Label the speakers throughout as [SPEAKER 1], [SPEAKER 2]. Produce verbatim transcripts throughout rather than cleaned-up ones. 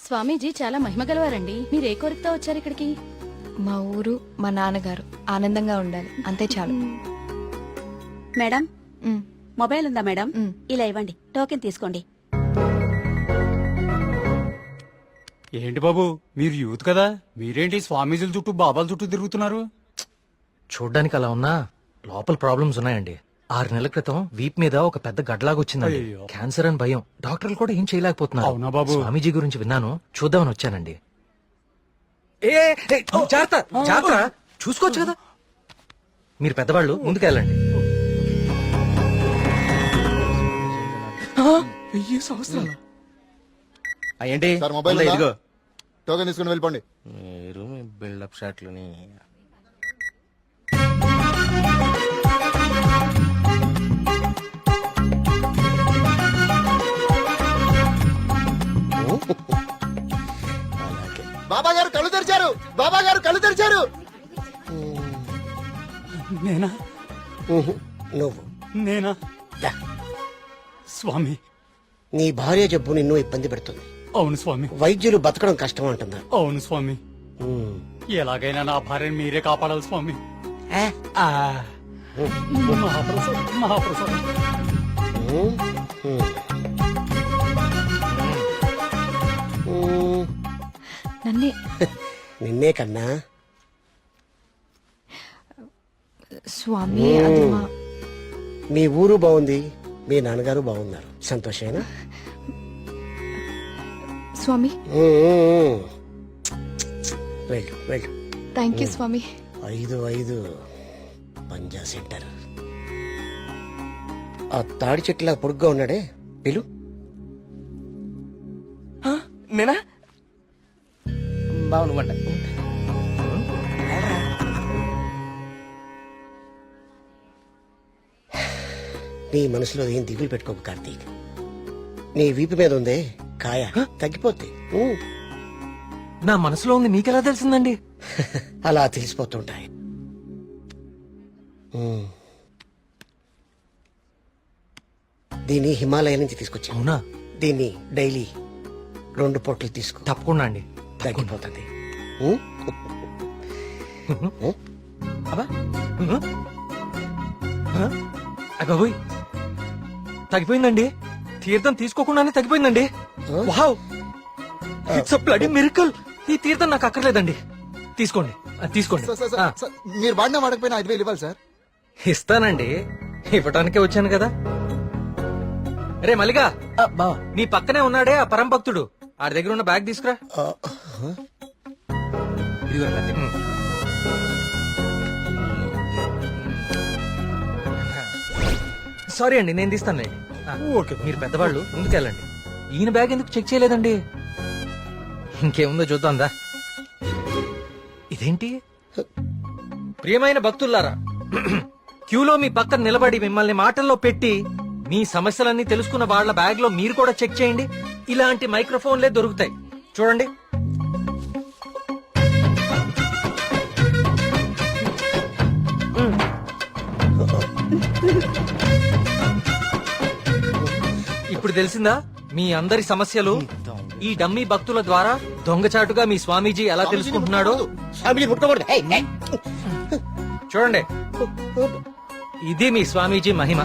[SPEAKER 1] స్వామీజీ చాలా మహిమగలవారండి. మీరు ఏ కోరికతో వచ్చారు ఇక్కడికి?
[SPEAKER 2] మా ఊరు, మా నాన్నగారు ఆనందంగా ఉండాలి, అంతే చాలు.
[SPEAKER 3] మేడం,
[SPEAKER 2] మ్,
[SPEAKER 3] మొబైల్ ఉందా మేడం?
[SPEAKER 2] మ్.
[SPEAKER 3] ఇలా ఇవ్వండి, టోకెన్ తీసుకోండి.
[SPEAKER 4] ఏంటి బాబు, మీరు యూత్ కదా, మీరేంటి స్వామీజీల చుట్టూ బాబాల చుట్టూ తిరుగుతున్నారు?
[SPEAKER 5] చూడ్డానికి అలా ఉన్నా లోపల ప్రాబ్లమ్స్ ఉన్నాయండి. ఆరు నెలల క్రితం వీప్ మీద ఒక పెద్ద గడ్లాగా వచ్చిందండి.
[SPEAKER 4] అయ్యో.
[SPEAKER 5] క్యాన్సర్ అని భయం, డాక్టర్లు కూడా ఏం చేయలేకపోతున్నారు.
[SPEAKER 4] అవునా బాబు?
[SPEAKER 5] స్వామీజీ గురించి విన్నాను, చూద్దామని వచ్చానండి. ఏ ఏ, జాగ్రత్త, జాగ్రత్త, చూసుకోవచ్చు కదా. మీరు పెద్దవాళ్ళు, ముందుకెళ్ళండి.
[SPEAKER 4] వెయ్యి సంవత్సరాలు
[SPEAKER 6] ఏంటి
[SPEAKER 7] సార్ మొబైల్
[SPEAKER 6] ఉందా?
[SPEAKER 7] ఉందా?
[SPEAKER 6] ఇదిగో
[SPEAKER 7] టోకెన్ తీసుకుని వెళ్ళిపోండి.
[SPEAKER 6] మీరు మీ బిల్డప్ షాట్లని
[SPEAKER 7] బాబా గారు కళ్ళు తెరిచారు, బాబా గారు కళ్ళు తెరిచారు.
[SPEAKER 4] నేనా
[SPEAKER 8] నువ్వు
[SPEAKER 4] నేనా
[SPEAKER 8] దా.
[SPEAKER 4] స్వామి.
[SPEAKER 8] నీ భార్య జబ్బు నిన్ను ఇబ్బంది పెడుతుంది.
[SPEAKER 4] అవును స్వామి,
[SPEAKER 8] వైద్యులు బతకడం కష్టం అంటున్నారు.
[SPEAKER 4] అవును స్వామి.
[SPEAKER 8] ఉమ్.
[SPEAKER 4] ఎలాగైనా నా భార్యను మీరే కాపాడాలి స్వామి.
[SPEAKER 8] ఏ?
[SPEAKER 4] ఆ, మహాప్రసాదం మహాప్రసాదం.
[SPEAKER 8] ఉమ్. ఉమ్. ఉమ్.
[SPEAKER 2] నన్నే
[SPEAKER 8] నిన్నే కన్నా
[SPEAKER 2] స్వామి, అది మా
[SPEAKER 8] మీ ఊరు బాగుంది, మీ నాన్నగారు బాగున్నారు, సంతోషేనా?
[SPEAKER 2] స్వామి.
[SPEAKER 8] ఉమ్, ఉమ్. వెళ్ళు వెళ్ళు.
[SPEAKER 2] థ్యాంక్ యూ స్వామి.
[SPEAKER 8] ఐదు ఐదు పంజా సెంటర్. ఆ తాడి చెట్టులా పొడుగ్గా ఉన్నాడే, పిలు.
[SPEAKER 6] నేనా బాగుండమంట.
[SPEAKER 8] నీ మనసులో ఏం దిగులు పెట్టుకోకు కార్తీక్. నీ వీపు మీద ఉందే కాయ, తగ్గిపోద్ది. ఊ.
[SPEAKER 5] నా మనసులో ఉంది మీకెలా తెలిసిందండి?
[SPEAKER 8] అలా తెలిసిపోతుంటాయి. ఊ. దీన్ని హిమాలయ నుంచి తీసుకొచ్చా.
[SPEAKER 5] అవునా?
[SPEAKER 8] దీన్ని డైలీ రెండు పొట్లు తీసుకో,
[SPEAKER 5] తప్పకుండా అండి.
[SPEAKER 8] తగ్గిపోతుంది. ఊ? ఊ?
[SPEAKER 5] అబ్బా, అబ్బాబోయ్, తగ్గిపోయిందండి. తీర్థం తీసుకోకుండానే తగ్గిపోయిందండి. Wow, it's a bloody miracle. ఈ తీర్థం నాకు అక్కర్లేదండి, తీసుకోండి, అది తీసుకోండి.
[SPEAKER 7] సార్, సార్, సార్,
[SPEAKER 5] ఆ,
[SPEAKER 7] సార్, మీరు వాడినా వాడకపోయినా ఐదు వేలు ఇవ్వాలి సార్.
[SPEAKER 5] ఇస్తానండి, ఇవ్వటానికే వచ్చాను కదా. రే మల్లిగా,
[SPEAKER 6] బా
[SPEAKER 5] నీ పక్కనే ఉన్నాడే ఆ పరం భక్తుడు, ఆడి దగ్గర ఉన్న బ్యాగ్ తీసుకురా.
[SPEAKER 8] ఆ, ఆ.
[SPEAKER 6] ఇదిగో రండి.
[SPEAKER 5] సారీ అండి, నేను తీస్తానులేండి. ఆ,
[SPEAKER 4] ఓకే.
[SPEAKER 5] మీరు పెద్దవాళ్ళు, ముందుకెళ్ళండి. ఈయన బ్యాగ్ ఎందుకు చెక్ చేయలేదండి? ఇంకేముందో చూద్దాందా. ఇదేంటి? ప్రియమైన భక్తుల్లారా, క్యూలో మీ పక్కన నిలబడి మిమ్మల్ని మాటల్లో పెట్టి మీ సమస్యలన్నీ తెలుసుకున్న వాళ్ళ బ్యాగ్ లో మీరు కూడా చెక్ చేయండి. ఇలాంటి మైక్రోఫోన్లే దొరుకుతాయి, చూడండి. ఇప్పుడు తెలిసిందా మీ అందరి సమస్యలు? ఈ డమ్మీ భక్తుల ద్వారా దొంగచాటుగా మీ స్వామీజీ ఎలా తెలుసుకుంటున్నాడో
[SPEAKER 8] ఫ్యామిలీ ముట్టుకోకూడదు. ఏయ్, ఏయ్.
[SPEAKER 5] చూడండి. ఇది మీ స్వామీజీ మహిమ.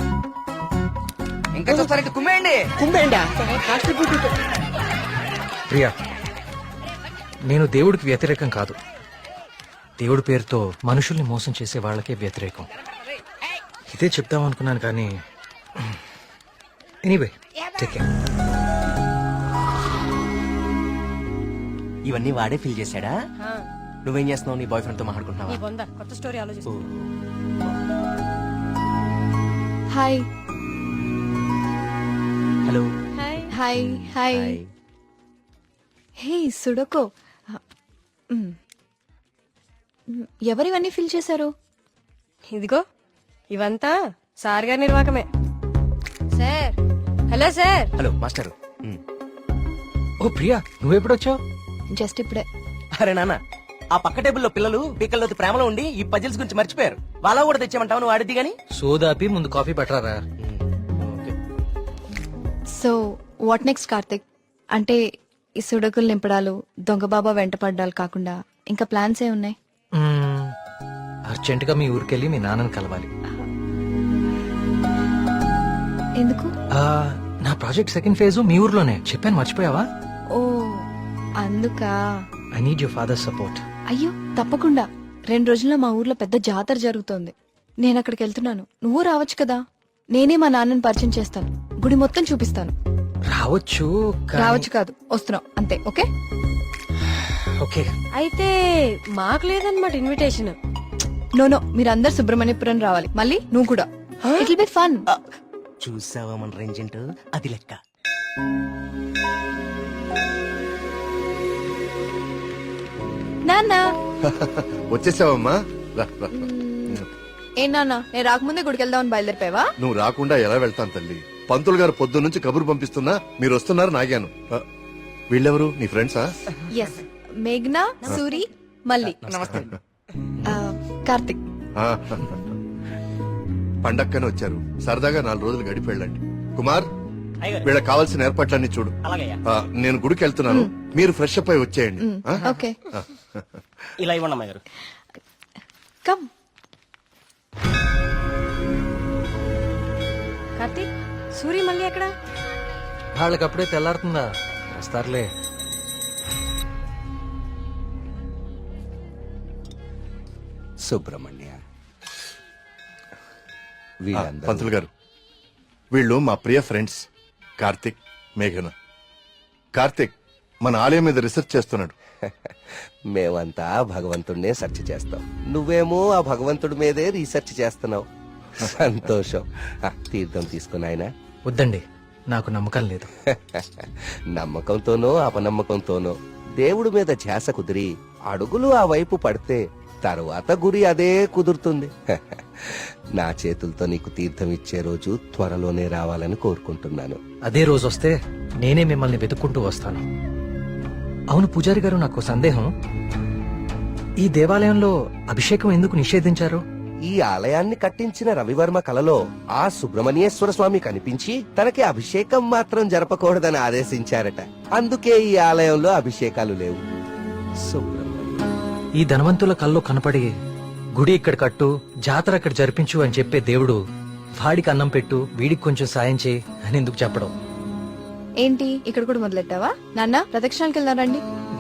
[SPEAKER 6] ఇంకా చూస్తారంటే కుమ్మేయండి.
[SPEAKER 8] కుంభేండా? కాన్స్టిట్యూట్.
[SPEAKER 5] ప్రియా, నేను దేవుడికి వ్యతిరేకం కాదు. దేవుడి పేరుతో మనుషుల్ని మోసం చేసే వాళ్ళకే వ్యతిరేకం. ఇదే చెప్దాం అనుకున్నాను కానీ ఎనీవే, టేక్ కేర్.
[SPEAKER 6] ఇవన్నీ వాడే ఫీల్ చేశాడా? నువ్వేం చేస్తున్నావు? నీ బాయ్ ఫ్రెండ్ తో మాట్లాడుకుంటున్నావా?
[SPEAKER 3] కొత్త స్టోరీ ఆలోచిస్తా.
[SPEAKER 2] Hi
[SPEAKER 6] hello.
[SPEAKER 2] Hi hi. Hey సుడకో, మ్. మ్, ఎవరివన్నీ ఫిల్ చేశారు?
[SPEAKER 9] ఇదిగో ఇవంతా సార్ గారి నిర్వాకమే. Sir, hello sir.
[SPEAKER 6] Hello master.
[SPEAKER 5] Oh Priya, నువ్వెప్పుడొచ్చావు?
[SPEAKER 2] జస్ట్ ఇప్పుడే.
[SPEAKER 6] అరే నాన్న, ఆ పక్క టేబుల్లో పిల్లలు పీకల్లోతి ప్రేమలో ఉండి ఈ పజిల్స్ గురించి మర్చిపోయారు. వాళ్ళ కూడా తెచ్చామంటావు, నువ్వు ఆడిద్ది గాని.
[SPEAKER 5] సోదాపి ముందు కాఫీ పట్టరారా.
[SPEAKER 2] So what next Karthik? అంటే ఈ సుడకులు నింపడాలు దొంగబాబా వెంట పడ్డాలు కాకుండా ఇంకా ప్లాన్స్ ఏ ఉన్నాయి?
[SPEAKER 5] అర్జెంట్ గా మీ ఊరికెళ్ళి మీ నాన్నని కలవాలి.
[SPEAKER 2] ఎందుకు?
[SPEAKER 5] ఆ, నా ప్రాజెక్ట్ సెకండ్ ఫేజ్ మీ ఊర్లోనే చెప్పాను, మర్చిపోయావా?
[SPEAKER 2] ఓ అందుకా.
[SPEAKER 5] I need your father support.
[SPEAKER 2] అయ్యో తప్పకుండా. రెండు రోజుల్లో మా ఊర్లో పెద్ద జాతర జరుగుతోంది. నేను అక్కడికి వెళ్తున్నాను. నువ్వు రావచ్చు కదా. నేనే మా నాన్నని పరిచయం చేస్తాను. గుడి మొత్తం చూపిస్తాను.
[SPEAKER 5] రావచ్చు కానీ-
[SPEAKER 2] రావచ్చు కాదు, వస్తున్నావు అంతే. Okay
[SPEAKER 5] okay.
[SPEAKER 9] అయితే మాకు లేదన్నమాట ఇన్విటేషన్.
[SPEAKER 2] నో నో, మీరందరు సుబ్రహ్మణ్యపురం రావాలి. మళ్ళీ నువ్వు కూడా. It will be fun.
[SPEAKER 6] చూసావా మన రేంజ్ ఏంటో, అది లెక్క.
[SPEAKER 2] నాన్న
[SPEAKER 10] వచ్చేసావమ్మా రా, రా.
[SPEAKER 2] ఏ నాన్న, నేను రాకముందే గుడికి వెళ్దామని బయలుదేరిపోయావా?
[SPEAKER 10] నువ్వు రాకుండా ఎలా వెళ్తాను తల్లి. పంతులు గారు పొద్దు నుంచి కబురు పంపిస్తున్నా మీరు వస్తున్నారు నాగాను. ఆ, వీళ్ళెవరు నీ ఫ్రెండ్సా?
[SPEAKER 2] ఎస్, మేఘ్నా, సూరి, మల్లి. ఆ, కార్తిక్.
[SPEAKER 10] ఆ, పండక్కనే వచ్చారు. సరదాగా నాలుగు రోజులు గడిపి వెళ్ళండి. కుమార్, వీళ్ళకి కావాల్సిన ఏర్పాట్లన్నీ చూడు. ఆ, నేను గుడికి వెళ్తున్నాను, మీరు ఫ్రెష్ అప్ అయి వచ్చేయండి. ఆ?
[SPEAKER 2] ఓకే
[SPEAKER 6] ఇలా ఇవ్వండి అమ్మాయి గారు.
[SPEAKER 2] కమ్.
[SPEAKER 9] కార్తీక్, సూరి మళ్ళీ ఎక్కడ?
[SPEAKER 5] వాళ్ళకి అప్పుడే తెల్లారుతుందా? వస్తారులే.
[SPEAKER 6] సుబ్రహ్మణ్య,
[SPEAKER 10] ఆ, పంతులు గారు, వీళ్ళు మా ప్రియ ఫ్రెండ్స్ కార్తిక్, మేఘన. కార్తిక్ మన ఆలయం మీద రీసెర్చ్ చేస్తున్నాడు.
[SPEAKER 6] మేమంతా భగవంతుడినే సెర్చ్ చేస్తాం, నువ్వేమో ఆ భగవంతుడి మీదే రీసెర్చ్ చేస్తున్నావు. సంతోషం. ఆ, తీర్థం తీసుకుని ఆయన.
[SPEAKER 5] వద్దండి, నాకు నమ్మకం లేదు.
[SPEAKER 6] నమ్మకంతోనో అపనమ్మకంతోనో దేవుడి మీద ధ్యాస కుదిరి అడుగులు ఆ వైపు పడితే తరువాత గురి అదే కుదురుతుంది. నా చేతులతో నీకు తీర్థం ఇచ్చే రోజు త్వరలోనే రావాలని కోరుకుంటున్నాను.
[SPEAKER 5] అదే రోజు వస్తే నేనే మిమ్మల్ని వెతుక్కుంటూ వస్తాను. అవును పూజారి గారు, నాకు సందేహం. ఈ దేవాలయంలో అభిషేకం ఎందుకు నిషేధించారు?
[SPEAKER 6] ఈ ఆలయాన్ని కట్టించిన రవివర్మ కలలో ఆ సుబ్రహ్మణ్యేశ్వర స్వామి కనిపించి తనకి అభిషేకం మాత్రం జరపకూడదని ఆదేశించారట. అందుకే ఈ ఆలయంలో అభిషేకాలు లేవు. సుబ్రహ్మణ్య,
[SPEAKER 5] ఈ ధనవంతుల కల్లో కనపడి గుడి ఇక్కడ కట్టు, జాతర అక్కడ జరిపించు అని చెప్పే దేవుడు వాడికి అన్నం పెట్టు, వీడికి కొంచెం సాయం చేయి అని ఎందుకు చెప్పడం?
[SPEAKER 2] ఏంటి ఇక్కడ కూడా మొదలెట్టావా? నాన్న, ప్రదక్షిణాలకు వెళ్దాం రండి.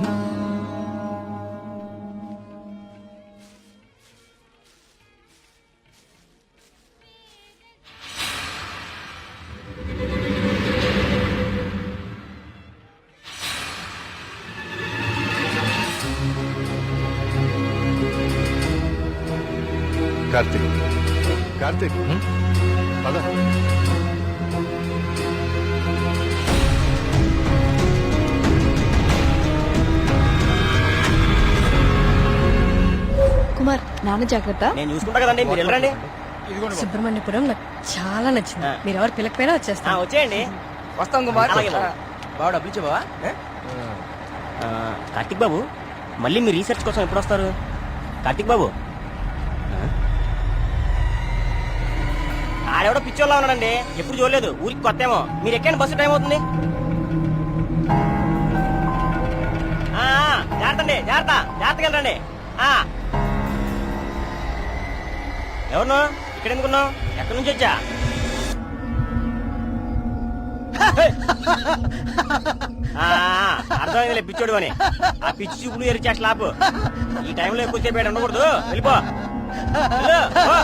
[SPEAKER 10] కార్తిక్, కార్తిక్ పద.
[SPEAKER 2] కుమార్, నాన్న జాగ్రత్త.
[SPEAKER 6] నేను చూసుకుంటా కదండి, మీరు వెళ్ళండి.
[SPEAKER 9] సుబ్రహ్మణ్యపురం నాకు చాలా నచ్చింది. మీరు ఎవరు పిల్లకపోయినా వచ్చేస్తాను.
[SPEAKER 6] వచ్చేయండి. వస్తాం కుమార్. బాబు డబ్బులు ఇచ్చే బావా. కార్తిక్ బాబు, మళ్ళీ మీ రీసెర్చ్ కోసం ఎప్పుడు వస్తారు? కార్తిక్ బాబు, ఆడెవడో పిచ్చోళ్ళ ఉన్నాడండి, ఎప్పుడు చూడలేదు, ఊరికి కొత్త ఏమో. మీరు ఎక్కండి, బస్సు టైం అవుతుంది. జాగ్రత్త అండి, జాగ్రత్త, జాగ్రత్తగా వెళ్ళండి. ఎవరు ఇక్కడ ఎందుకున్నావు? ఎక్కడి నుంచి వచ్చా? అర్థమైందిలే పిచ్చోడు అని. ఆ పిచ్చి చూపులు ఎరిచా స్లాబ్. ఈ టైంలో ఎక్కువసేపు ఇక్కడ ఉండకూడదు, వెళ్ళిపో. వెళ్ళు, పో.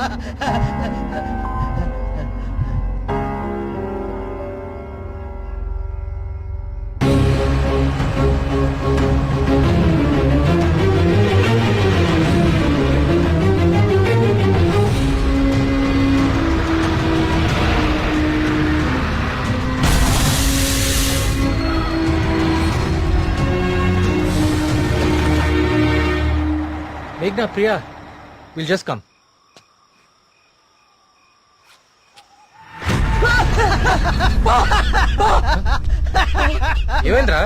[SPEAKER 5] మేఘ్నా, ప్రియా, విల్ జస్ట్ కమ్. ఏమైందిరా?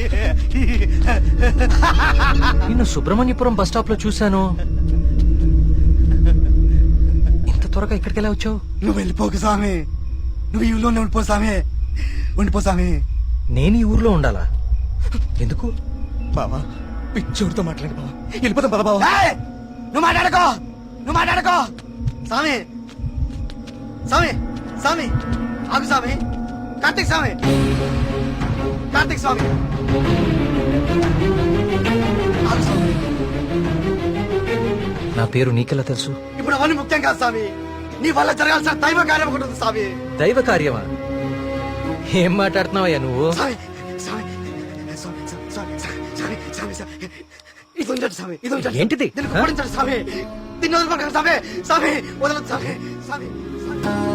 [SPEAKER 5] నిన్ను సుబ్రహ్మణ్యపురం బస్ స్టాప్ లో చూశాను. ఇంత త్వరగా ఇక్కడికి ఎలా వచ్చావు?
[SPEAKER 7] నువ్వు వెళ్ళిపోకు స్వామి, నువ్వు ఈ ఊళ్ళోనే ఉండిపో స్వామి, ఉండిపో స్వామి.
[SPEAKER 5] నేను ఈ ఊర్లో ఉండాలా? ఎందుకు?
[SPEAKER 7] బావా పిచ్చోడితో మాట్లాడు బావా వెళ్ళిపోతాం పద బావా నువ్వు మాట్లాడుకో నువ్వు మాట్లాడుకో స్వామి స్వామి స్వామి ఆగు స్వామి కార్తీక్ స్వామి కార్తీక్ స్వామి ఆగు స్వామి
[SPEAKER 5] నా పేరు నీకెలా తెలుసు?
[SPEAKER 7] ఇప్పుడు అవన్నీ ముఖ్యం కాదు స్వామి నీ వల్ల జరగాల్సిన దైవ కార్యం ఒకటి ఉంది స్వామి
[SPEAKER 5] దైవ కార్యమా? ఏం మాట్లాడుతున్నావయ్యా నువ్వు?
[SPEAKER 7] స్వామి స్వామి స్వామి స్వామి స్వామి స్వామి స్వామి ఇది ఉంచండి స్వామి ఇది ఉంచండి
[SPEAKER 5] ఏంటిది?
[SPEAKER 7] దీన్ని కుమ్మరించండి స్వామి దీన్ని వదలకండి స్వామి స్వామి వదలదు స్వామి స్వామి స్వామి